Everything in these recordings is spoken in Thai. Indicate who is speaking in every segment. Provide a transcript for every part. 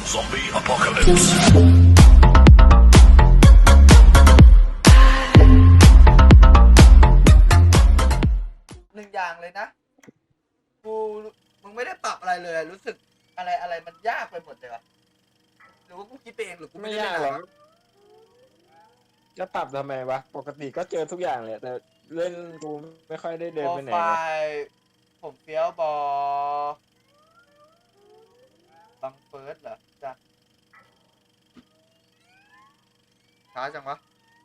Speaker 1: Zombie apocalypse.
Speaker 2: หนึ่งอย่างเลยนะมึงไม่ได้ปรับอะไรเลยรู้สึกอะไรมันยากไปหมดเลยวะหรือว่ากูคิดไปเองหรือกู
Speaker 3: ไม่
Speaker 2: ไม่ได้
Speaker 3: ยาก
Speaker 2: เล่น
Speaker 3: หรอกจะปรับทำไมวะปกติก็เจอทุกอย่างเลยแต่เล่นกูไม่ค่อยได้เดิน
Speaker 2: โปร
Speaker 3: ไปไหน
Speaker 2: ไฟ
Speaker 3: ไง
Speaker 2: ล์ผมเฟี้ยวบอบังเฟิร์สเหรอจ้ะช้าจังวะ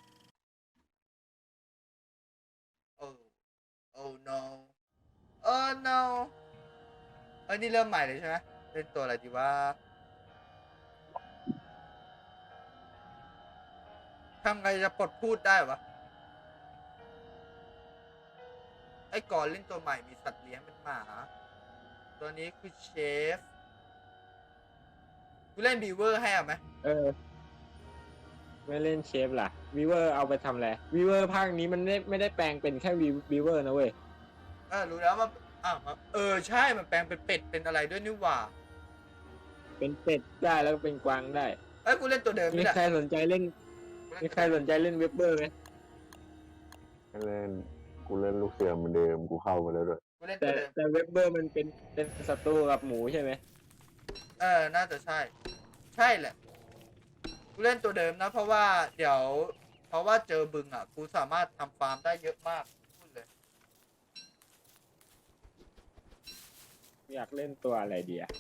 Speaker 2: โอ้ no no เอ้ยนี่เริ่มใหม่เลยใช่ไหมเล่นตัวอะไรดีว่าทำไงจะปลดพูดได้วะไอ้ก่อนเล่นตัวใหม่มีสัตว์เลี้ยงเป็นหมาตัวนี้คือเชฟกูเล่นบีเวอร์ให้เอาไหม
Speaker 3: ไม่เล่นเชฟล่ะวีเวอร์เอาไปทำอะไรวีเวอร์ภาคนี้มันไม่ได้แปลงเป็นแค่วีเวอร์นะเว้ย
Speaker 2: รู้แล้วมันใช่มันแปลงเป็นเป็ดเป็นอะไรด้วยนี่หว่า
Speaker 3: เป็นเป็ดได้แล้วก็เป็นกวางได้
Speaker 2: เอ้ยกูเล่นตัวเดิม
Speaker 3: มี
Speaker 2: นี่แหละ
Speaker 3: ใครสนใจเล่นเว็บเบอร์ไหม
Speaker 4: เล่นกูเล่นลูกเสือเหมือนเดิมกูเข้ามาแล้วด้วย
Speaker 2: กูเล่น
Speaker 3: แต่
Speaker 2: ตัวเดิม
Speaker 3: แต่เว็บเบอร์มันเป็นศัตรูกับหมูใช่ไหม
Speaker 2: น่าจะใช่ ใช่แหละกูเล่นตัวเดิมนะเพราะว่าเจอบึงอ่ะกูสามารถทำฟาร์มได้เยอะมากพูดเลย
Speaker 3: อยากเล่นตัวอะไรดีอะ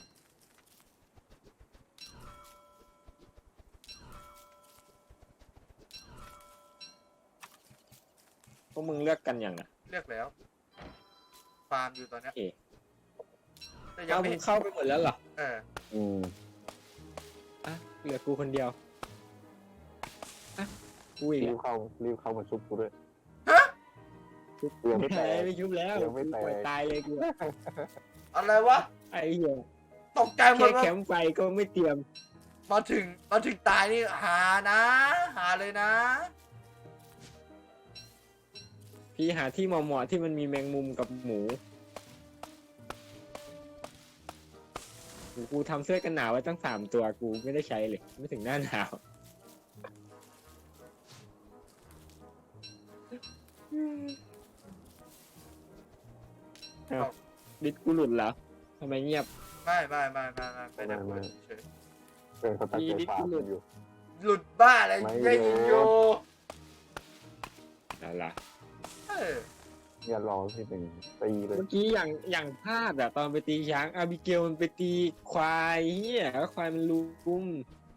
Speaker 3: พวกมึงเลือกกันอย่างอ่ะ
Speaker 2: เลือกแล้ว ฟาร์มอยู่ตอนเนี้ย
Speaker 3: เอ๊ะ
Speaker 2: แต่ยัง
Speaker 3: เอา
Speaker 2: ไม่
Speaker 3: มึงเข้าไปหมดแล้วเหรอ
Speaker 4: อืม
Speaker 3: อ่ะเหลือกูคนเดียวอ่ะกูอีก
Speaker 4: รี
Speaker 3: แล้ว
Speaker 4: บเข้ามาชุบกูด้วย
Speaker 3: ชุบ
Speaker 4: ยังไม่แตก
Speaker 3: ไม่ชุบแล้ว
Speaker 4: ยังไม่แตก
Speaker 3: กูปล่อยตายเลยกูอะ
Speaker 2: อะไรวะ
Speaker 3: ไอ้เหี้ย
Speaker 2: ตกใจหม
Speaker 3: แค่
Speaker 2: ดว่า
Speaker 3: แคมป์ไฟก็ไม่เตรียม
Speaker 2: มาถึงตายนี่หานะหาเลยนะ
Speaker 3: พี่หาที่เหมาะๆที่มันมีแมงมุมกับหมูกูทำเสื้อกันหนาวไว้ตั้ง3 ตัวกูไม่ได้ใช้เลย ไม่ถึงหน้าหนาวอ้าวดิสกูหลุดเหรอทำไมเงียบ
Speaker 2: ไม่เป็นแบบเฉย
Speaker 4: เป็นเขาตั้งใจฟาร์มกันอยู่
Speaker 2: หลุดบ้าอะไร
Speaker 4: ไม่
Speaker 2: ได้ยินโย
Speaker 3: นั่นล่ะ
Speaker 2: เออ
Speaker 4: อย่ารอที่เป็นตีเลย
Speaker 3: เมื่อกี้อย่างพลาดอะตอนไปตีช้างอาบิเกลมันไปตีควายเฮียแล้วควายมันลุม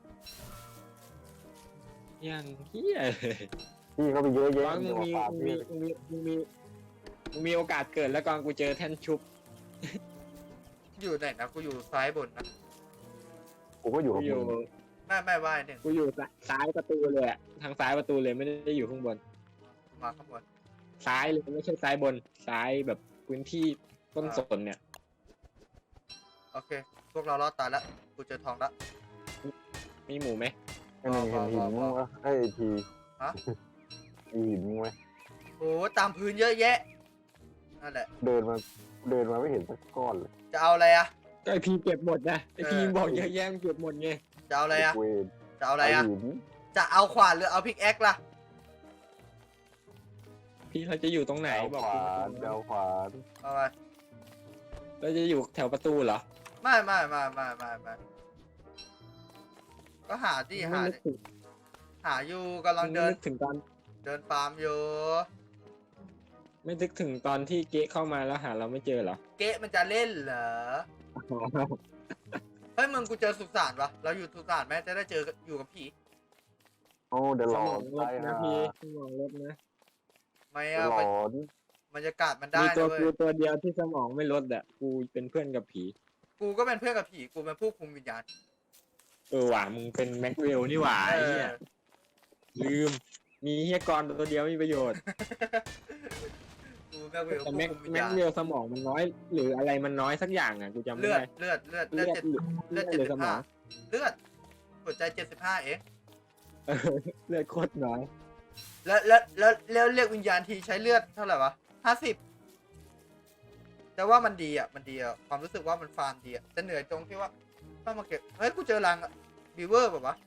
Speaker 3: อย่างเฮียเลย
Speaker 4: พี่เขาไปเยอะแยะ
Speaker 3: กองมึ
Speaker 4: จะ
Speaker 3: ง
Speaker 4: มา
Speaker 3: มี
Speaker 4: ฟาร์ม
Speaker 3: มึง
Speaker 4: พี่
Speaker 3: มีมึงมีมึงมีโอกาสเกิดแล้วกองกูเจอแท่นชุบ
Speaker 2: อยู่ไหนนะกูอยู่ซ้ายบนนะ
Speaker 4: กูก็อยู่
Speaker 3: กู
Speaker 4: กับ
Speaker 3: อยู่
Speaker 4: มึง
Speaker 2: ไม่ไหวหนึ่ง
Speaker 3: กูอยู่ซ้ายประตูเลยอะทางซ้ายประตูเลยไม่ได้อยู่ข้างบน
Speaker 2: มาข้างบน
Speaker 3: ซ้ายเลยไม่ใช่ซ้ายบนซ้ายแบบพื้นที่ต้นสนเนี่ย
Speaker 2: โอเค พวกเรารอดตายแล้วกูเจอทองแล้ว
Speaker 3: มีหมูไหม
Speaker 4: ไอ้หนึ่งเห็นหินมั้งวะไอ้ที
Speaker 2: ฮะ
Speaker 4: มีหินมั้งไหม
Speaker 2: โอ้ตามพื้นเยอะแยะนั่นแหละ
Speaker 4: เดินมาไม่เห็นสักก้อนเลย
Speaker 2: จะเอาอะไรอะ
Speaker 3: ก็ไอพีเก็บหมดนะไอพี
Speaker 2: เออ
Speaker 3: บอกเยอะแยะมันเก็บหมดไง
Speaker 2: จะเอาอะไรอะ
Speaker 4: เวน
Speaker 2: จะเอาอะไรอะ
Speaker 4: หิน
Speaker 2: จะเอาขวานหรือเอาพิกแอคล่ะ
Speaker 3: พี่เราจะอยู่ตรงไหน
Speaker 4: เอา
Speaker 3: บอก
Speaker 4: ข
Speaker 3: กู
Speaker 4: วานเอาขวาน
Speaker 2: เอาไป
Speaker 3: เราจะอยู่แถวประตูเหรอ
Speaker 2: ไม่ก็หาที่
Speaker 3: ไม่
Speaker 2: หา
Speaker 3: นึกถึง
Speaker 2: หาอยู่กำลัง
Speaker 3: ไม่
Speaker 2: เดิน
Speaker 3: นึกถึงตอน
Speaker 2: เดินฟาร์มอยู่
Speaker 3: ไม่นึกถึงตอนที่เก๊เข้ามาแล้วหาเราไม่เจอเหรอ
Speaker 2: เก๊ะมันจะเล่นเหรอเฮ้ยมึงกูเจอสุสานวะเราอยู่สุสานไหมจะได้เจออยู่กับผี
Speaker 4: โอ้เดี๋ยว
Speaker 3: ส
Speaker 4: หลอ
Speaker 3: มอง
Speaker 4: น
Speaker 3: ล
Speaker 4: ไป
Speaker 3: ดนะ
Speaker 4: นะ
Speaker 3: พี่สมองลดนะ
Speaker 2: ไม่
Speaker 4: เดี๋ย
Speaker 2: อะ
Speaker 4: วหลอน
Speaker 2: บรรยากาศมันได้
Speaker 3: มี
Speaker 2: นะ
Speaker 3: ตัว
Speaker 2: เว้ย
Speaker 3: กูตัวเดียวที่สมองไม่ลดอ่ะกูเป็นเพื่อนกับผี
Speaker 2: กูก็เป็นเพื่อนกับผีกูเป็นผู้คุมวิญญาณ
Speaker 3: หว่ามึงเป็นแม็กเวลนี่หว่า
Speaker 2: เอ
Speaker 3: ไอ้
Speaker 2: อ
Speaker 3: เหี้ยลืม มีเฮียกรตัวเดียวมีประโยชน์
Speaker 2: กูแม็กเวล
Speaker 3: แต่
Speaker 2: ผู้
Speaker 3: แม็ก
Speaker 2: คุมวิญ
Speaker 3: แม็
Speaker 2: ญาก ณ
Speaker 3: เวลสมองมันน้อย หรืออะไรมันน้อยสักอย่างอ่ะกูจำไม่
Speaker 2: เลือด
Speaker 3: ได้
Speaker 2: เลือด
Speaker 3: เลือด
Speaker 2: เลือด
Speaker 3: หรือสมอง
Speaker 2: เลือดหัวใจ75เอง
Speaker 3: เลือดโคตรน้อย
Speaker 2: แล้วเรียกวิญญาณทีใช้เลือดเท่าไหร่วะ50แต่ว่ามันดีอ่ะความรู้สึกว่ามันฟาร์มดีอ่ะแต่เหนื่อยตรงที่ว่าเข้ามาเก็บเฮ้ยกูเจอรังบีเวอร์ป่ะวะ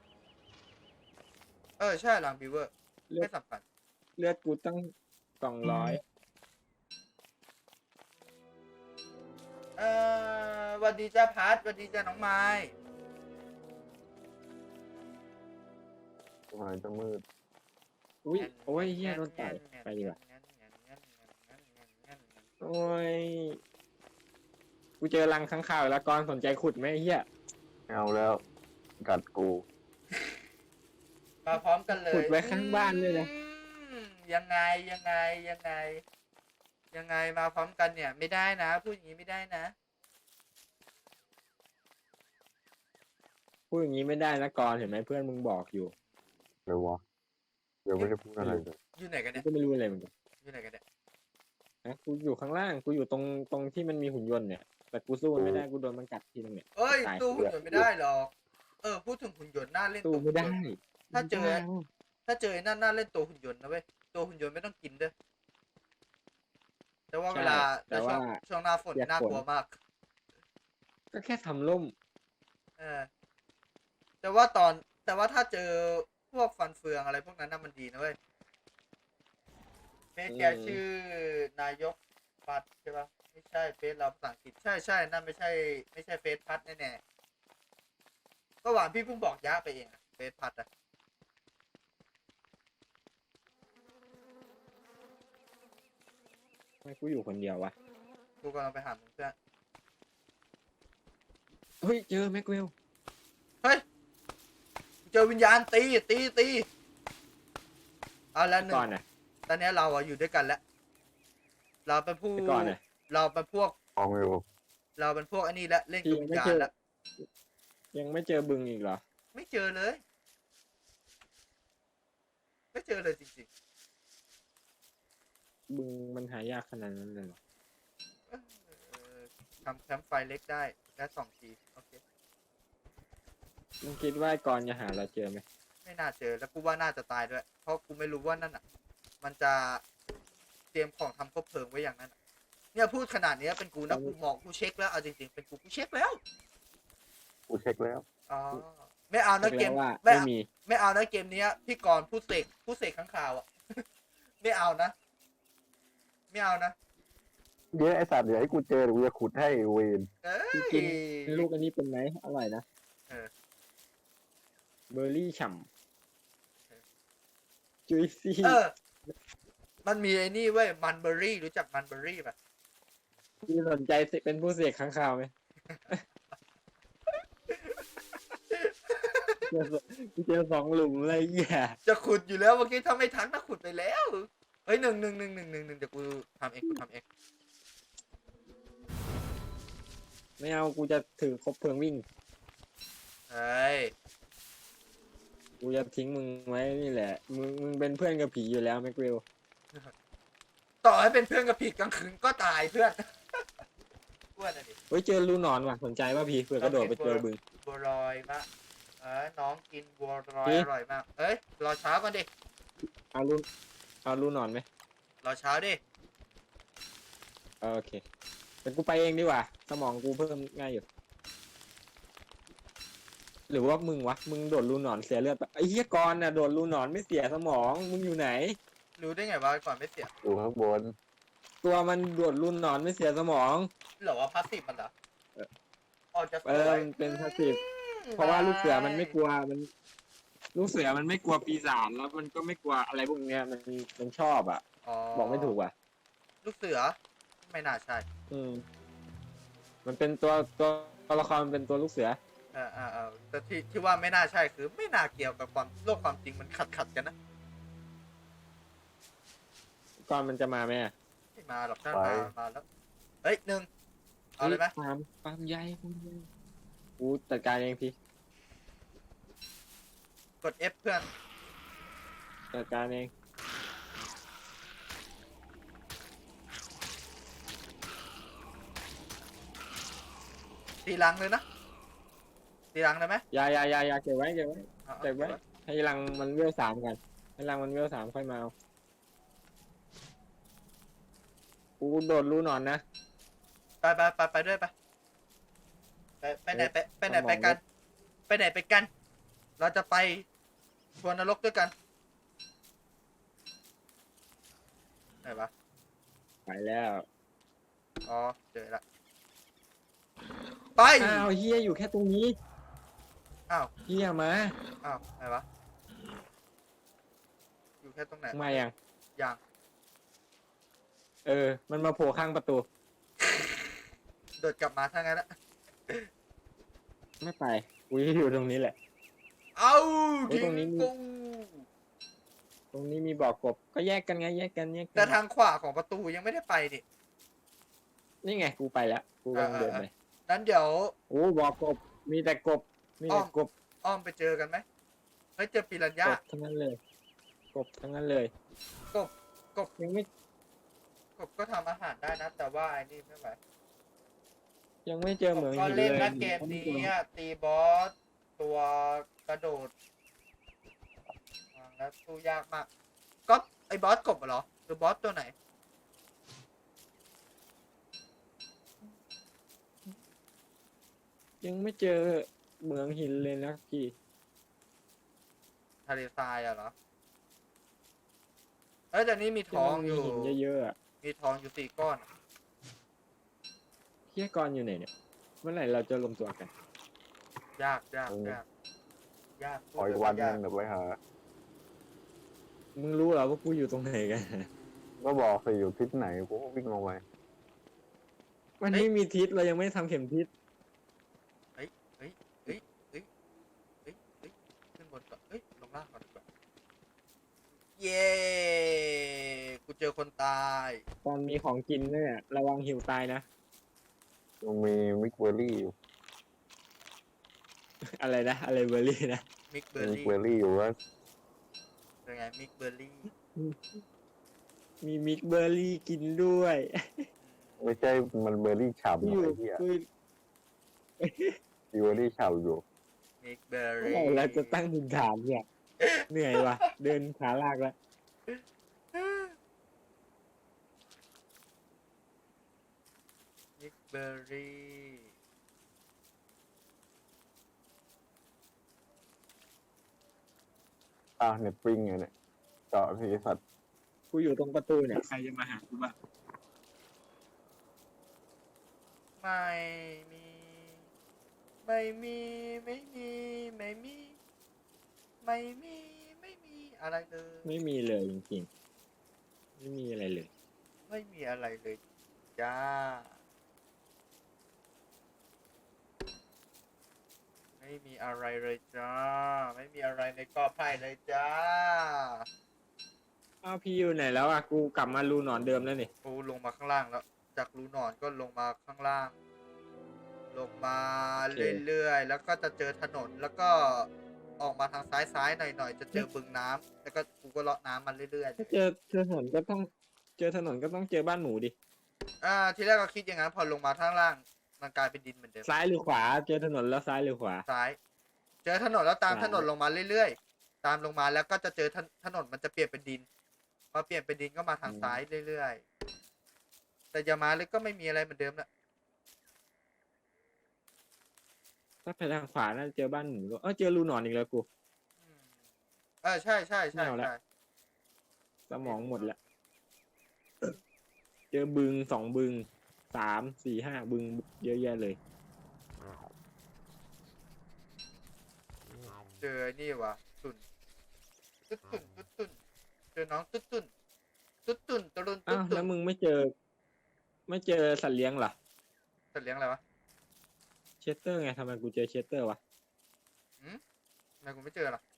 Speaker 2: ใช่รังบีเวอร์ไม่สำคัญ
Speaker 3: เลือดกูตั้ง200
Speaker 2: หวัสดีจ้าพัดหวัสดีจ้าน้องไม้
Speaker 4: ทำไมจะมืด
Speaker 3: อุ้ยโอ้ยเฮียโดนต่อยไปดีกว่าโอ้ยกูเจอรังข้างข่าวแล้วก่อนสนใจขุดไหมไอ้เฮีย
Speaker 4: ไม่เอาแล้ว กัดกู
Speaker 2: มาพร้อมกันเลย
Speaker 3: ขุดไว้ข้างบ้านเลยนะ
Speaker 2: ยังไงยังไงมาพร้อมกันเนี่ย ไม่ได้นะพูดอย่างนี้ไม่ได้นะ
Speaker 3: พูดอย่างนี้ไม่ได้นะก่อนเห็นไหมเพื่อนมึงบอกอยู่
Speaker 4: เลยวะเดี๋ยวไม่ได้พูดอะไรเลย
Speaker 2: อยู่ไหนกัน
Speaker 3: กู
Speaker 2: เนี่ย
Speaker 3: ก็ไม่รู้อะไรเหมือนกัน
Speaker 2: อยู่ไหนกันเนี่ย
Speaker 3: นะกูอยู่ข้างล่างกูอยู่ตรงที่มันมีหุ่นยนต์เนี่ยแต่กูสู้มันไม่ได้กูโดนมันกัดทีนึงเนี่ย
Speaker 2: เอ้ย
Speaker 3: ตาย
Speaker 2: ตู้หุ่นยนต์ไม่ได้หรอกพูดถึงหุ่นยนต์น่าเล่น
Speaker 3: สู้
Speaker 2: ตัว
Speaker 3: ไม่ได้
Speaker 2: ถ้าเจอไอ้นั่นน่าเล่นตัวหุ่นยนต์นะเว้ยตัวหุ่นยนต์ไม่ต้องกินเด้อแต่ว่าเวลา
Speaker 3: แต่ว่า
Speaker 2: ช่วงหน้าฝนน่ากลัวมาก
Speaker 3: ก็แค่ทำล่ม
Speaker 2: แต่ว่าถ้าเจอพวกฟันเฟืองอะไรพวกนั้นน่ะมันดีนะเว้ยเฟซแกชื่อนายกพัดใช่ปะไม่ใช่เฟซเราภาษาอังกฤษใช่นั่นไม่ใช่เฟซพัดแน่ๆก็หวานพี่เพิ่งบอกยะไปเองอะเฟซพัดอะ
Speaker 3: ทำไมกูอยู่คนเดียววะ
Speaker 2: กูกำลังไปหามึงเพื่อน
Speaker 3: เฮ้ยเจอแม็กเวล
Speaker 2: เฮ้ยเจอวิญญาณตีเอาละหนึ่
Speaker 3: ก่อง นน่ะ
Speaker 2: ตอนนี้เราอะอยู่ด้วยกันแล้วเราเป็นผู้
Speaker 3: ไปก่อนน่ะ
Speaker 2: เราเป็นพวก
Speaker 4: มองอยู่
Speaker 2: เราเป็นพวกอันนี้แล้วเล่นกับวิญญาณแล้ว
Speaker 3: ยังไม่เจอบึงอีกเหรอ
Speaker 2: ไม่เจอเลย ไม่เจอเลยจริง
Speaker 3: บึงมันหายากขนาดนั้นเลยเหรอ
Speaker 2: ๆทำแคมป์ไฟเล็กได้แค่2 ทีโอเค
Speaker 3: มึงคิดว่าไอ้ก่อนจะหาเราเจอไหม
Speaker 2: ไม่น่าเจอแล้วกูว่าน่าจะตายด้วย เพราะกูไม่รู้ว่านั่นอ่ะ มันจะเตรียมของทำคบเพลิงไว้อย่างนั้นอะเนี่ยพูดขนาดนี้เป็นกูนะกูมองกูเช็คแล้วเอาจริงๆเป็นกูเช็คแล้ว
Speaker 4: กูเช็คแล้ว
Speaker 2: อ๋อไม่เอานะเกม
Speaker 3: ว่า
Speaker 2: ไม่
Speaker 3: ไม่
Speaker 2: เอา
Speaker 3: มี
Speaker 2: ไม่เอานะเกมนี้พี่กรณ์ผู้เสกข้างข่าวอ่ะ ไม่เอานะ ไม่เอานะ
Speaker 4: เดี๋ยวไอสัตว์เดี๋ยวให้กูเจอเดี๋ยวกูจะขุดให้เวน
Speaker 2: เอ้ย
Speaker 3: กินลูกอันนี้เป็นไหมอร่อยนะ
Speaker 2: เออ
Speaker 3: เบอร์รี่ฉ่ำจุยซี่
Speaker 2: มันมีไอ้นี่เว้ยมันเบอร์รี่รู้จักมันเบอร์รี่ป่ะ
Speaker 3: พี่สนใจเป็นผู้เสกข้างข่าวไหม เจอ2 หลุมเลยแย่
Speaker 2: จะขุดอยู่แล้วเมื่อกี้ถ้าไม่ทักน่าขุดไปแล้วเฮ้ยหนึ่งเดี๋ยวกูทำเอง
Speaker 3: ไม่เอากูจะถือคบเพลิงวิ่ง
Speaker 2: เฮ้ย
Speaker 3: กูจะทิ้งมึงไว้นี่แหละ มึงเป็นเพื่อนกับผีอยู่แล้วแม็กเวล
Speaker 2: ต่อให้เป็นเพื่อนกับผิดกลางคืนก็ตายเพื่อน เพื่อนอะดิ
Speaker 3: เฮ้ยเจอรูหนอนว่ะสนใจป่ะพี่เผื่อกระโดดไปเจอบึง
Speaker 2: บัวลอยมากน้องกินบัวลอย
Speaker 3: นี่
Speaker 2: อร่อยมากเอ้ยรอเช้าก่อนดิ
Speaker 3: เอารูหนอนไหม
Speaker 2: รอเช้าดิ
Speaker 3: โอเคแต่กูไปเองดีกว่าสมองกูเพิ่มง่ายอยู่ หรือว่ามึงวะมึงโดดรูหนอนเสียเลือดปะไอ้เหี้ยกรณ์น่ะโดดรูหนอนไม่เสียสมองมึงอยู่ไหน
Speaker 2: รู้ได้ไงว่าก่อนไม่เสีย
Speaker 4: อยู่ข้างบน
Speaker 3: ตัวมันโดดรูหนอนไม่เสียสมอง
Speaker 2: หรอว่าพาสซีฟมันเหรอ
Speaker 3: เออ
Speaker 2: ออกจะส
Speaker 3: เอ
Speaker 2: ว
Speaker 3: อย มันเป็นพาสซีฟเพราะว่าลูกเสือมันไม่กลัวลูกเสือมันไม่กลัวปีศาจแล้วมันก็ไม่กลัวอะไรพวกเนี้ยมันชอบอ่ะ บอกไม่ถูกว่ะ
Speaker 2: ลูกเสือไม่น่าใช่
Speaker 3: มันเป็นตัวละครมันเป็นตัวลูกเสือ
Speaker 2: แต่ที่ว่าไม่น่าใช่คือไม่น่าเกี่ยวกับโลกความจริงมันขัดกันนะ
Speaker 3: ก่อนมันจะมาไหมอะ
Speaker 2: ไม่มาหรอกถ้ามาแล้วเฮ้ยหนึ่งเอาเลยไหม
Speaker 3: ความใหญ่กูจัดการเองพี่
Speaker 2: กด F เพื่อน
Speaker 3: จัดการเอง
Speaker 2: ตีรังเลยนะตีรังได้ไหม
Speaker 3: อย่าเก็บไว้
Speaker 2: เอา
Speaker 3: เก็บไว้ให้รังมันเวล3กันให้รังมันเวล3ค่อยมาเอากูโดดรูหนอนนะ
Speaker 2: ไปด้วยไปไปไหนไปไหนไปกัน ไปไหนไปกัน เราจะไปทวนนรกด้วยกันไหนวะ
Speaker 3: ไปแล้ว
Speaker 2: อ๋อเจอละไป
Speaker 3: อ้าวเฮียอยู่แค่ตรงนี้
Speaker 2: อ้าว
Speaker 3: เฮียมา
Speaker 2: อ้าวไหนวะอยู่แค่ตรงไหน
Speaker 3: มายัง
Speaker 2: ยัง
Speaker 3: มันมาโผล่ข้างประตู
Speaker 2: โดดกลับมาถ้างั้นละ
Speaker 3: ไม่ไปกูจะอยู่ตรงนี้แหละ
Speaker 2: เอ้า
Speaker 3: เฮ้ย
Speaker 2: ทิ้
Speaker 3: ตรงนี้
Speaker 2: ง
Speaker 3: มี
Speaker 2: กู
Speaker 3: ตรงนี้มีบ่อกบก็แยกกันไงแยกกัน
Speaker 2: แต่ทางขวาของประตูยังไม่ได้ไปดิ
Speaker 3: นี่ไงกูไปแล้วกูกำลังเดินไป
Speaker 2: นั้นเดี๋ยว
Speaker 3: โอ้บ่อกบมีแต่กบมีแต่กบ
Speaker 2: อ้อมไปเจอกันไหมเฮ้ยเจอปิรันย่าก
Speaker 3: บทั้งนั้นเลยกบทั้งนั้นเลย
Speaker 2: กบ
Speaker 3: ยังไม่
Speaker 2: กบก็ทำอาหารได้นะ แต่ว่าไอ้นี่ไม่ไหว
Speaker 3: ยังไม่เจอเหมือง
Speaker 2: ก็
Speaker 3: หิน
Speaker 2: เล่น
Speaker 3: เลย
Speaker 2: นะเกมนี้อะตีบอสตัวกระโดดแล้วสู้ยากมากก็ไอ้บอสกบเหรอหรือบอสตัวไหน
Speaker 3: ยังไม่เจอเหมืองหินเลยนะพี่
Speaker 2: ทะเลทรายอะเหรอเอ้ยแต่นี่มีทองอยู่
Speaker 3: ที่มันมีหินเยอะๆอะ
Speaker 2: มีทองอยู่4 ก้อน
Speaker 3: เฮียกรอยู่ไหนเนี่ยเมื่อไหร่เราจะรวมตัวกัน
Speaker 2: ยากยากยากยาก
Speaker 4: ขออีกวันหนึงเดี๋ยวไปหา
Speaker 3: มึงรู้เหรอว่ากูอยู่ตรงไหนกัน
Speaker 4: ก็บอกสิอยู่ทิศไหนกูก็วิ่งลงไป
Speaker 3: มันไม่มีทิศเรายังไม่ทำเข็มทิศ
Speaker 2: เฮ้ยขึ้นบนก่อนเฮ้ยลงล่างก่อนดีกว่าเย้กูเจอคนตาย
Speaker 3: ตอนมีของกินเนี่ยระวังหิวตายนะ
Speaker 4: มันมีมิกเบอร์รี่อยู่
Speaker 3: อะไรนะอะไรเบอร์รี่นะ
Speaker 2: มิกเบอร์
Speaker 4: มิก
Speaker 2: รี่
Speaker 4: เบอร์รี่อยู่ว่า
Speaker 2: เป็นไงมิกเบอร์รี่
Speaker 3: มีมิกเบอร์รี่กินด้วย
Speaker 4: ไม่ใช่มันเบอร์รี่ฉ่ำ
Speaker 3: กู
Speaker 4: ห
Speaker 3: อ
Speaker 4: น่
Speaker 3: ยู่
Speaker 4: อยที่อ่ะ
Speaker 3: กู
Speaker 4: มีเบอร์รี่ฉ่ำอยู่
Speaker 2: มิกเบอร์
Speaker 3: เมื่อ
Speaker 2: รี่
Speaker 3: ไหร่เราจะตั้งถิ่นฐานเนี่ย เหนื่อยว่ะ เดินขาลากแล้ว
Speaker 2: มิกเบอร์รี่
Speaker 4: เน็ตปิ้งไงเนี่ยเจาะที่สัตว์
Speaker 3: กูอยู่ตรงประตูเนี่ยใครจะมาหากูบ้าง
Speaker 2: ไม่มีไม่มีไม่มีไม่มีไม่มีไม่มีอะไรเลย
Speaker 3: ไม่มีเลยจริงๆไม่มีอะไรเลย
Speaker 2: ไม่มีอะไรเลยจ้าไม่มีอะไรเลยจ้าไม่มีอะไรในกอไผ่เลยจ้า
Speaker 3: อ้าวพี่อยู่ไหนแล้วอ่ะกูกลับมารูหนอนเดิมแล้วนี่
Speaker 2: กูลงมาข้างล่างแล้ว จากรูหนอนก็ลงมาข้างล่าง ลงมาเรื่อยๆ แล้วก็จะเจอถนน แล้วก็ออกมาทางซ้ายๆหน่อยๆ จะเจอบึงน้ำแล้วก็กูก็เลาะน้ำมันเรื่อย
Speaker 3: ถ้าเจอถนนก็ต้องเจอถนนก็ต้องเจอบ้านหมูดิ
Speaker 2: ๆทีแรกก็คิดอย่างนั้นพอลงมาข้างล่าง มันกลายเป็นดินเหมือนเดิม
Speaker 3: ซ้ายหรือขวา เจอถนนแล้วซ้ายหรือขวา
Speaker 2: ซ้าย เจอถนนแล้วตาม
Speaker 3: ซ้าย
Speaker 2: ถนนลงมาเรื่อยๆ ตามลงมาแล้วก็จะเจอถนนมันจะเปลี่ยนเป็นดิน พอเปลี่ยนเป็นดินก็มาทางซ้ายเรื่อยๆ แต่อย่ามาเลยก็ไม่มีอะไรเหมือนเดิมละ
Speaker 3: ถ้าไปทางขวาน่าจะเจอบ้านหมูเจอรูหนอนอีกแล้วกู
Speaker 2: อืมใช่ใช่
Speaker 3: ไม่เอาละ
Speaker 2: ใช่
Speaker 3: สมองหมดละ เจอบึง2 บึง 3 4 5 บึงเยอะแยะเลย
Speaker 2: เจอนี่วะตุ่นตุ๊ดตุ่นตุ๊ดตุ่นเจอน้องตุ๊ดตุ่นตุ๊ดตุ่นตะลุนตุ๊
Speaker 3: อ้า
Speaker 2: ด
Speaker 3: ว
Speaker 2: ตุ่
Speaker 3: แล้
Speaker 2: น
Speaker 3: วมึงไม่เจอสัตว์เลี้ยงเหรอ
Speaker 2: สัตว์เลี้ยงอะไรวะ
Speaker 3: เชสเตอร์ไงทำไมกูเจอเชสเตอร์วะ
Speaker 2: ทำไมกูไม่เจอล่ะ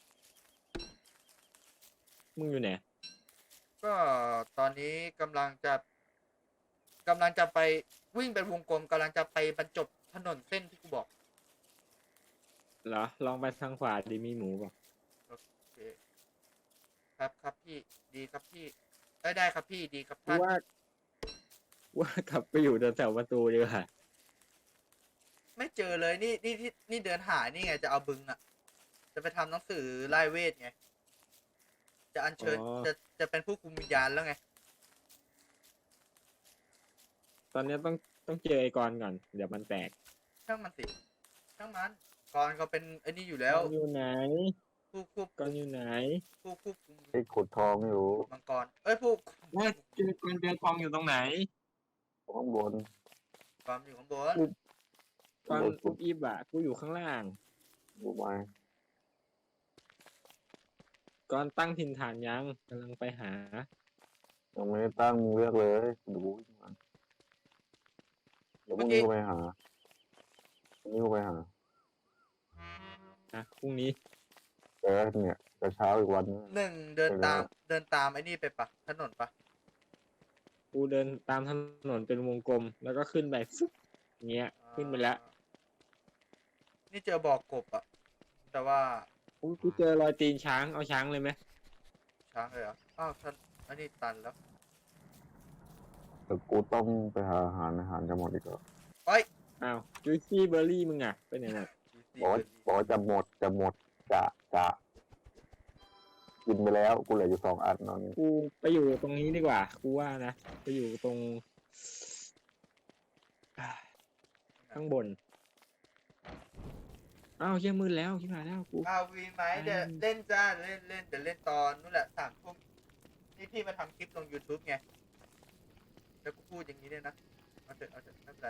Speaker 3: มึงอยู่ไหน
Speaker 2: ก็ตอนนี้กำลังจะไปวิ่งเป็นวงกลมกำลังจะไปบรรจบถนนเส้นที่กูบอก
Speaker 3: เหรอ ลองไปทางขวาดิมีหมูป่ะ
Speaker 2: โอเคครับพี่ดีครับพี่ได้ครับพี่ดีครับ
Speaker 3: กู
Speaker 2: ท่าน
Speaker 3: ว่ากลับไปอยู่แถวประตูดีกว่า
Speaker 2: ไม่เจอเลยนี่เดินหานี่ไงจะเอาบึงอ่ะ จะไปทำหนังสือไล่เวทไง จะอัญเชิญจะเป็นผู้คุมวิญญาณแล้วไง
Speaker 3: ตอนนี้ต้องเจอไอ้กรก่อน เดี๋ยวมันแตก
Speaker 2: ช่างมันสิช่างมันก่อนเขาเป็นไอ้นี่อยู่แล้ว
Speaker 3: ก่อนอยู่ไหน
Speaker 2: ผู้ควบ
Speaker 3: ก่
Speaker 2: คุ
Speaker 3: อน
Speaker 2: ม
Speaker 3: อยู่ไหน
Speaker 2: ผู้ควบคุม
Speaker 4: ไอ้ขุดทองอยู่
Speaker 2: มังกรเอ้ยผู้
Speaker 3: ว่าเจอก่อนเจอทองอยู่ตรงไหน
Speaker 4: ข้างบน
Speaker 2: ความอยู่ข้างบน
Speaker 3: ก่อนอุบอิบอ่ะกูอยู่ข้างล่าง
Speaker 4: ดูไหม
Speaker 3: ก่อนตั้งถิ่นฐานยังกำลังไปหา
Speaker 4: ยังไม่ได้ตั้งมึงเลือกเลยดูมันเดี๋ยวพรุ่งนี้กูไปหาพรุ่งนี้กูไปหา
Speaker 3: นะพรุ่งนี้
Speaker 4: แต่เนี่ยจะเช้าอีกวันนึง
Speaker 2: หนึ่งเดินตามไอ้นี่ไปปะถนนปะ
Speaker 3: กูเดินตามถนนเป็นวงกลม แล้วก็ขึ้นไปฟึ๊บอย่างเงี้ย ขึ้นไปแล้ว
Speaker 2: นี่เจอบ่อกบอะแต่ว่า
Speaker 3: อุ๊ยกูเจอรอยตีนช้าง เอาช้างเลยไหม
Speaker 2: ช้างเลยเหรออ้าวท่านอันนี้ตันแล้ว
Speaker 4: เดี๋ยวกูต้องไปหาอาหารจะหมดอีกแล้ว
Speaker 2: เอ้ย
Speaker 3: อ้าวจุยซี่เบอร์รี่มึงอ่ะ ไปไหนหมด
Speaker 4: บอกว่าจะหมดจะกินไปแล้วกูเหลืออยู่2 อันตอนนี้
Speaker 3: กูไปอยู่ตรงนี้ดีกว่า กูว่านะ ไปอยู่ตรงข้างบน อ้าวเชี่ยมืดแล้วชิบหายแล้วกู
Speaker 2: อ้าววีไหมเดี๋ยวเล่นจ้าเล่นเดี๋ยวเล่นตอนนู่นแหละ3 ทุ่มนี่พี่มาทำคลิปลง YouTube ไงแล้วกูพูดอย่างนี้เลยนะเอาเถอะไม่เป็นไร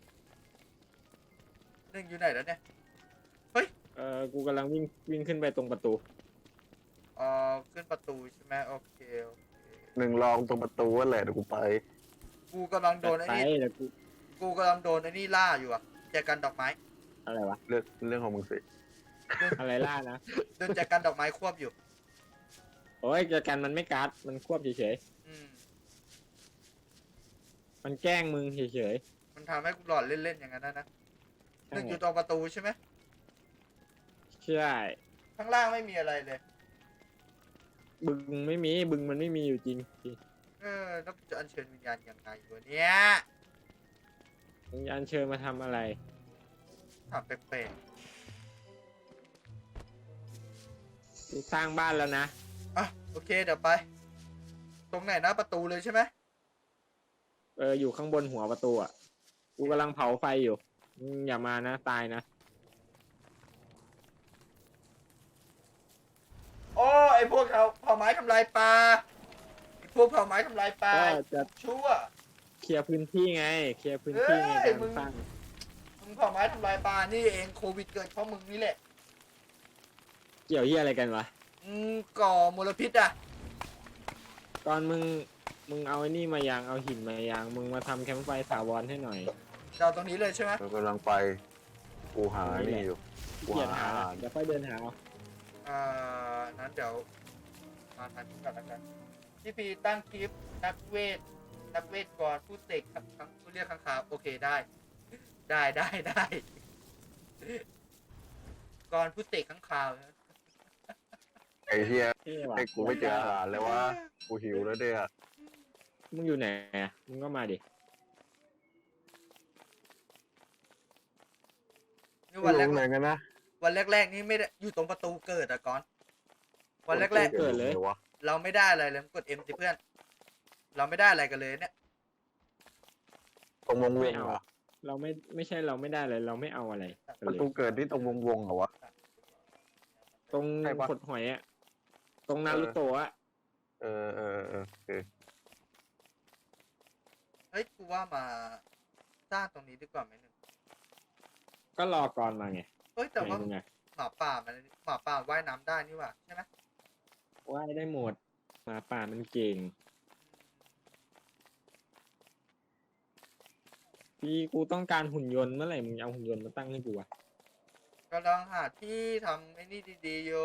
Speaker 2: หนึ่งอยู่ไหนแล้วเนี่ย
Speaker 3: กูกำลังวิ่งขึ้นไปตรงประตู
Speaker 2: ขึ้นประตูใช่ไหมโอเค
Speaker 4: หนึ่งลองตรงประตูนั่นแหละเดี๋ยวกูไป
Speaker 2: กูกำลังโดนไอ้
Speaker 3: ไป
Speaker 2: นี่
Speaker 3: แล้วกู
Speaker 2: กูกำลังโดนไอ้นี่ล่าอยู่อะแจกันดอกไม้
Speaker 3: อะไรวะ
Speaker 4: เรื่องของมึงสิ
Speaker 3: อะไรล่านะ
Speaker 2: โดนแจกันดอกไม้ควบอยู่
Speaker 3: โอ้ยเจอกันมันไม่การ์ดมันควบเฉย
Speaker 2: อืม
Speaker 3: ๆ มันแกล้งมึงเฉย
Speaker 2: มันทำให้กูหลอดเล่นๆอย่างนั้นนะ
Speaker 3: ๆ
Speaker 2: หนึ่งอยู่ตรงประตูใช่ไหม
Speaker 3: ใช่
Speaker 2: ข้างล่างไม่มีอะไรเลย
Speaker 3: บึงไม่มีบึงมันไม่มีอยู่จริง
Speaker 2: แล้วจะอัญเชิญวิญญาณยังไงวะเนี่ย
Speaker 3: มึงอัญเชิญมาทำอะไร
Speaker 2: ถามแปลก
Speaker 3: กูสร้างบ้านแล้วนะ
Speaker 2: ๆอ่ะโอเคเดี๋ยวไป ตรงไหนนะประตูเลยใช่ไหม
Speaker 3: อยู่ข้างบนหัวประตูอ่ะ กูกำลังเผาไฟอยู่มึงอย่ามานะ ตายนะ
Speaker 2: โอ้ไอพวกเขาเผาไม้ทำลายปลาไอพวกเผาไม้ทำลายปลา
Speaker 3: ก็จะ
Speaker 2: ชั่ว
Speaker 3: เคลียร์พื้นที่ไง เคลียร์พื้นที่ใน
Speaker 2: เอ้
Speaker 3: กาย ร
Speaker 2: มึง
Speaker 3: สร้าง
Speaker 2: มึงเผาไม้ทำลายปลานี่เองโควิดเกิดเพราะมึงนี่แหละ
Speaker 3: เกี่ยวเหี้ยอะไรกันวะ
Speaker 2: ก่อมลพิษอ่ะ
Speaker 3: ตอนมึงเอาไอ้นี่มายังเอาหินมายังมึงมาทำแคมป์ไฟถาวรให้หน่อย
Speaker 2: เราตรงนี้เลยใช่ไหม
Speaker 4: เรากำลังไปกูหานี่อยู่กู
Speaker 3: เกียร
Speaker 4: หา
Speaker 3: หา
Speaker 4: อาหาร
Speaker 3: เดี๋ยวค่อยเดินหาเอา
Speaker 2: นั้นเดี๋ยวมาทันก่อนแล้วกันพี่พีตั้งคลิปนักเวทก่อนผู้เสกผู้เรียกข้างคาวโอเคได้ก่อนผู้เสกข้างคาวนะ
Speaker 4: ไอ้เฮีย
Speaker 3: เท่ว่ะ
Speaker 4: ไอ้กูไม่เจออาหารเลยว่ากูหิวแล้วเนี่ย
Speaker 3: มึงอยู่ไหนอะมึงก็มาดิ
Speaker 2: นี่วันแรก
Speaker 4: ไหนกันนะ
Speaker 2: วันแรกๆนี่ไม่ได้อยู่ตรงประตูเกิดอะก่อน วันแรก
Speaker 3: เกิดเลย
Speaker 4: วะ
Speaker 2: ๆเราไม่ได้อะไรเลยกด M สิเพื่อน เราไม่ได้อะไรกันเลยเนี่ย
Speaker 4: ตรงวง
Speaker 3: ไม่
Speaker 4: ๆ
Speaker 3: เอา
Speaker 4: เหรอ
Speaker 3: เราไม่ใช่เราไม่ได้เลย เราไม่เอาอะไรกัน
Speaker 4: ประ
Speaker 3: เลย
Speaker 4: ตูเกิดที่ตรงวงๆเหรอวะ
Speaker 3: ตรง
Speaker 4: ใช่ปะ
Speaker 3: ขดหอยอะตรงนารูโตะอะ
Speaker 4: เออโอเค
Speaker 2: เฮ้ยกูว่ามาสร้างตรงนี้ดีกว่าไหมหนึ่ง
Speaker 3: ก็รอก่อนมาไง
Speaker 2: เฮ้ยแต่
Speaker 3: ไหน
Speaker 2: ว่า
Speaker 3: มึงอะ
Speaker 2: หมาป่าว่ายน้ำได้นี่หว่าใช่ไหม
Speaker 3: ว่ายได้หมดหมาป่ามันเก่งพี่กูต้องการหุ่นยนต์เมื่อไหร่มึงเอาหุ่นยนต์มาตั้งให้กูอะ
Speaker 2: กำลังหาที่ทำไอ้นี่ดีๆอยู่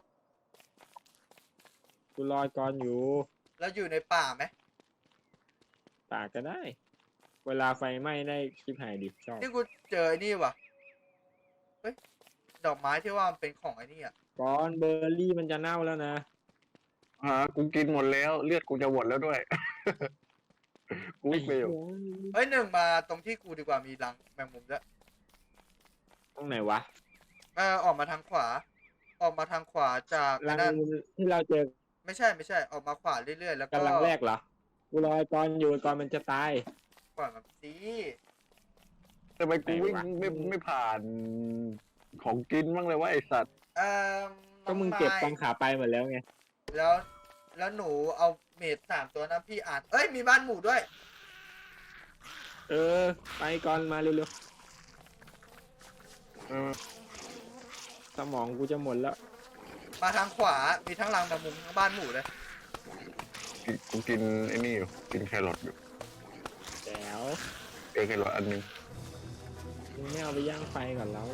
Speaker 3: กูรอก่อนอยู่
Speaker 2: แล้วอยู่ในป่าไหม
Speaker 3: ตากก็ได้ เวลาไฟไหม้ได้คลิปหายดิชอบ
Speaker 2: นี่กูเจอไอ้นี่ว่ะเฮ้ยดอกไม้ที่ว่ามันเป็นของไอ้นี่อ่ะ
Speaker 3: ก่อนเบอร์รี่มันจะเน่าแล้วนะ
Speaker 4: กูกินหมดแล้วเลือดกูจะหมดแล้วด้วย กูวิ่งไปอยู่
Speaker 2: เฮ้ยหนึ่งมาตรงที่กูดีกว่ามีรังแมงมุมด้วย
Speaker 3: ตรงไหนวะ
Speaker 2: ออกมาทางขวา ออกมาทางขวาจาก
Speaker 3: รัง
Speaker 2: นั่น
Speaker 3: ที่เราเจอ
Speaker 2: ไม่ใช่ออกมาขวาเรื่อยๆแล้วก็
Speaker 3: กันรังแรกเหรอ กูรอไอ้ก่อนอยู่ก่อนมันจะตาย
Speaker 2: ขวามาสิ
Speaker 4: ทำไมกูวิ่ง
Speaker 3: ไหนวะ
Speaker 4: ไม่ผ่านของกินบ้างเลยวะไอสัตว์
Speaker 2: เอ่อ
Speaker 3: ก็มึงเก็บตอนขาไปหมดแล้วไง
Speaker 2: แล้วแล้วหนูเอาเมด3 ตัวนะพี่อ่านเอ้ยมีบ้านหมูด้วย
Speaker 3: เออ ไปก่อนมาเร็ว
Speaker 4: เออ
Speaker 3: ๆสมองกูจะหมดแล้ว
Speaker 2: มาทางขวามีทั้งรังแมงมุมทั้งบ้านหมูเลย
Speaker 4: กูกินไอ้นี่อยู่กินแครอทอยู่
Speaker 3: แล้ว
Speaker 4: แครอทอันนึง
Speaker 3: มึงไม่เอาไปย่างไฟก่อนแล้ว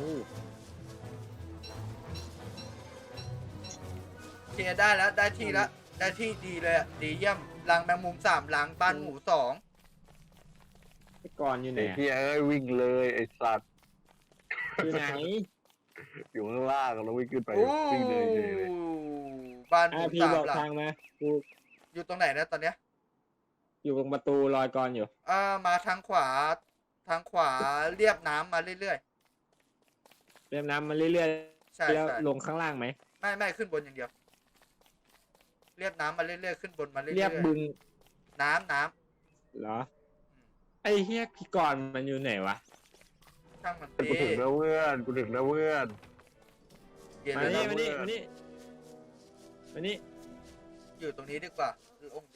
Speaker 2: เคลียร์ได้แล้วได้ที่แล้วได้ที่ดีเลยอะดีเยี่ยมรังแมงมุม3รังบ้านหมู2
Speaker 3: ไอ้ก่อนอยู่ไหน
Speaker 4: ไอ้ที่เอ้ยวิ่งเลยไอสัตว์
Speaker 3: อยู่ไหน
Speaker 4: อยู่ข้างล่างแล้ววิ่งขึ้นไป
Speaker 2: โอ้
Speaker 4: วิ่งเลยเฉยเลย
Speaker 2: บ้านหมู
Speaker 3: พี่บอก
Speaker 2: 3 หลัง
Speaker 3: ทางมา กู
Speaker 2: อยู่ตรงไหนนะตอนเนี้ย
Speaker 3: อยู่ตรงประตูลอยก่อนอยู่
Speaker 2: มาทางขวาเรียบน้ำมาเรื่อย
Speaker 3: เรียบน้ำมาเรื่อย
Speaker 2: ๆใช่
Speaker 3: ๆ แล้ว
Speaker 2: ใช่
Speaker 3: ลงข้างล่างไหม
Speaker 2: ไม่ขึ้นบนอย่างเดียว เรียบน้ำมาเรื่อยๆขึ้นบนมาเรื่อยๆ
Speaker 3: เรียบบึง
Speaker 2: น้ำ
Speaker 3: เหรอ ไอ้เฮียพี่ก่อนมันอยู่ไหนวะ
Speaker 2: ช่างมัน
Speaker 4: กูถึงแล้วเพื่อนกูถึงแล้วเพื่อน
Speaker 2: เย็น
Speaker 3: มา
Speaker 2: เลย
Speaker 3: นี่
Speaker 2: นะ
Speaker 3: มานี่มานี่
Speaker 2: อยู่ตรงนี้ดีกว่าโล่งดี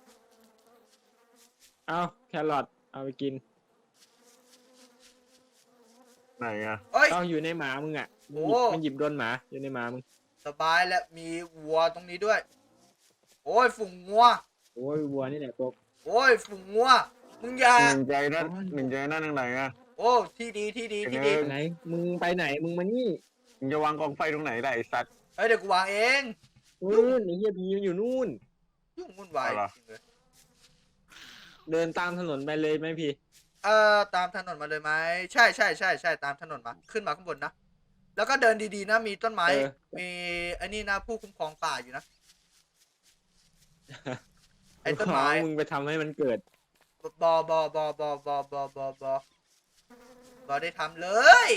Speaker 3: เอาแครอทเอาไปกิน
Speaker 4: ไหนอะ
Speaker 2: เอ้ย
Speaker 3: เอาอยู่ในหมามึงอ่ะ
Speaker 2: โอ้
Speaker 3: มันหยิบโดนหมาอยู่ในหมามึง
Speaker 2: สบายแล้วมีวัวตรงนี้ด้วย โอ้ยฝูงงัว
Speaker 3: โอ้ยวัวนี่แหละตัว
Speaker 2: โอ้ยฝูงงัวมึงอย่า
Speaker 4: หนึ่งใจนั่นหนึ่งใจนั่นทางไหนอะ
Speaker 2: โอ้ที่ดีที่ดี
Speaker 4: เออ
Speaker 3: ไหน มึงไปไหน มึงมานี่
Speaker 4: มึงจะวางกองไฟตรงไหนได้ไอสัตว์
Speaker 2: เฮ้ยเดี๋ยวกูวางเอง
Speaker 3: นู่นไอ้เฮียพีมันอยู่นู่น
Speaker 2: ยุ่งวุ่นวาย
Speaker 4: เอาเหรอ
Speaker 2: จริงเลย
Speaker 3: เดินตามถนนไปเลยไหมพี่
Speaker 2: ตามถนนมาเลยไหมใช่ตามถนนมาขึ้นมาข้างบนนะแล้วก็เดินดีๆนะมีต้นไม้
Speaker 3: เออ
Speaker 2: มีไอ้นี่นะผู้คุ้มครองป่าอยู่นะ ไอ้ต้นไม้
Speaker 3: มึงไปทำให้มันเกิด
Speaker 2: บอได้ทำเลย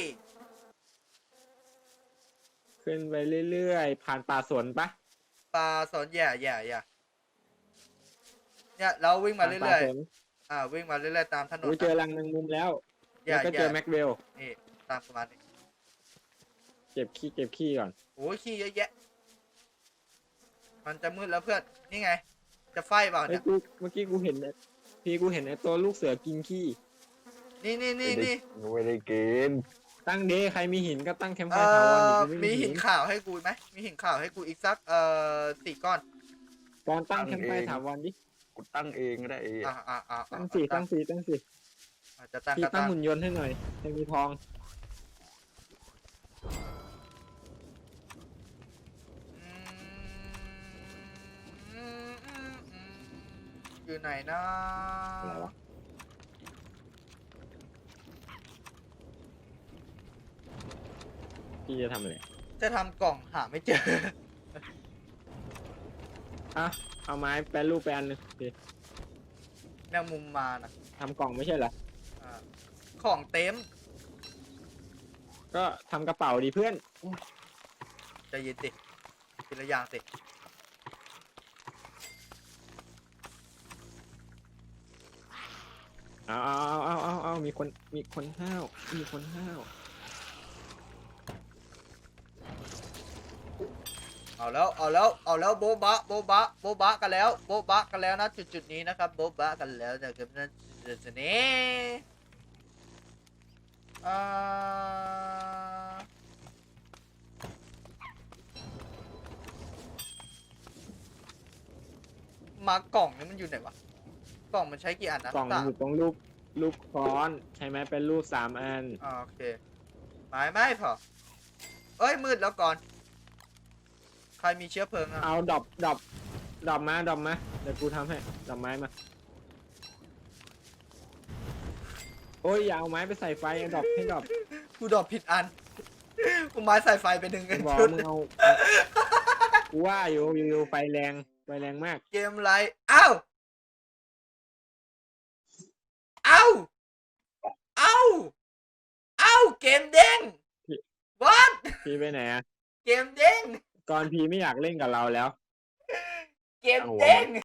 Speaker 3: ขึ้นไปเรื่อยๆ ผ่านป่าสนปะ
Speaker 2: ปลาสอนอย่าเนี่ยเราวิ่งมา
Speaker 3: ผ่น
Speaker 2: เรื่
Speaker 3: ป่
Speaker 2: อย
Speaker 3: สน
Speaker 2: ๆวิ่งมาเรื่อยๆตามถนน
Speaker 3: กูเจอรังแมงมุมแล้ว
Speaker 2: อย่า
Speaker 3: แล้วก็เจอแม็กเวล
Speaker 2: นี่ตามประมาณนี้
Speaker 3: เก็บขี้ก่อน
Speaker 2: โอ้ยขี้เยอะแยะ มันจะมืดแล้วเพื่อนนี่ไง จะไฟเปล่า
Speaker 3: เฮ้
Speaker 2: เนี่ย ย
Speaker 3: เมื่อกี้กูเห็นกูเห็นไอ้ตัวลูกเสือกินขี้
Speaker 2: นี่
Speaker 4: ไม่ได้กิน
Speaker 3: ตั้งเดใครมีหินก็ตั้งแคมป์ไฟ
Speaker 2: เอ่
Speaker 3: ถาวรดิ
Speaker 2: อ
Speaker 3: กูไ
Speaker 2: มีหินขาวให้กูไหมมีหินขาวให้กูอีกสัก4 ก้อน
Speaker 3: ก่อนตั้งแคมป์ไฟถาวรดิ
Speaker 4: กูตั้งเองก็ได้เอง
Speaker 3: ตั้งสี่
Speaker 2: อาจจะตั้ง
Speaker 3: พี่
Speaker 2: ก็
Speaker 3: ตั้
Speaker 2: ตั้
Speaker 3: ง
Speaker 2: ง
Speaker 3: หุ่นยนต์ให้หน่อยให้มีทอง
Speaker 2: อยู่ไหนนะ
Speaker 3: อะไรวะ พี่จะทำอะไร
Speaker 2: จะทำกล่องหาไม่เจอ
Speaker 3: อ่ะเอาไม้แปรรูปไปอันหนึงพี่
Speaker 2: แมงมุมมานะ
Speaker 3: ทำกล่องไม่ใช่เหรอ
Speaker 2: อ่าของเต็ม
Speaker 3: ก็ทำกระเป๋าดีเพื่อน
Speaker 2: ใจเย็นสิทีละอย่างสิ
Speaker 3: เอามีคนห้าว
Speaker 2: เอาแล้วโบ๊ะบะกันแล้วนะจุดนี้นะครับโบ๊ะบะกันแล้วนะครับนั่นจุดนี้มากล่องนี่มันอยู่ไหนวะกล่องมันใช้กี่อันนะ
Speaker 3: กล่องมันอยู่ตรงรูปค้อนใช่ไหมเป็นรูป3 อัน
Speaker 2: โอเคไม่พอเอ้ยมืดแล้วก่อนใครมีเชื้อเพลิงอ่ะ
Speaker 3: เอาดอบมาเดี๋ยวกูทำให้ดอกไม้มาโอ้ยอย่าเอาไม้ไปใส่ไฟเอาดอบให้ดอบ
Speaker 2: กูดรอปผิดอันกูไม้ใส่ไฟไปหนึ่ง
Speaker 3: บอก
Speaker 2: ชุด
Speaker 3: มึงเอากูว่าอยู่ไฟแรงมาก
Speaker 2: เกมไรอ้าวเกมเด้ง what
Speaker 3: พี่ไปไหนอะ
Speaker 2: เกมเด้ง
Speaker 3: ก่อนพี่ไม่อยากเล่นกับเราแล้ว
Speaker 2: เกมเด้ง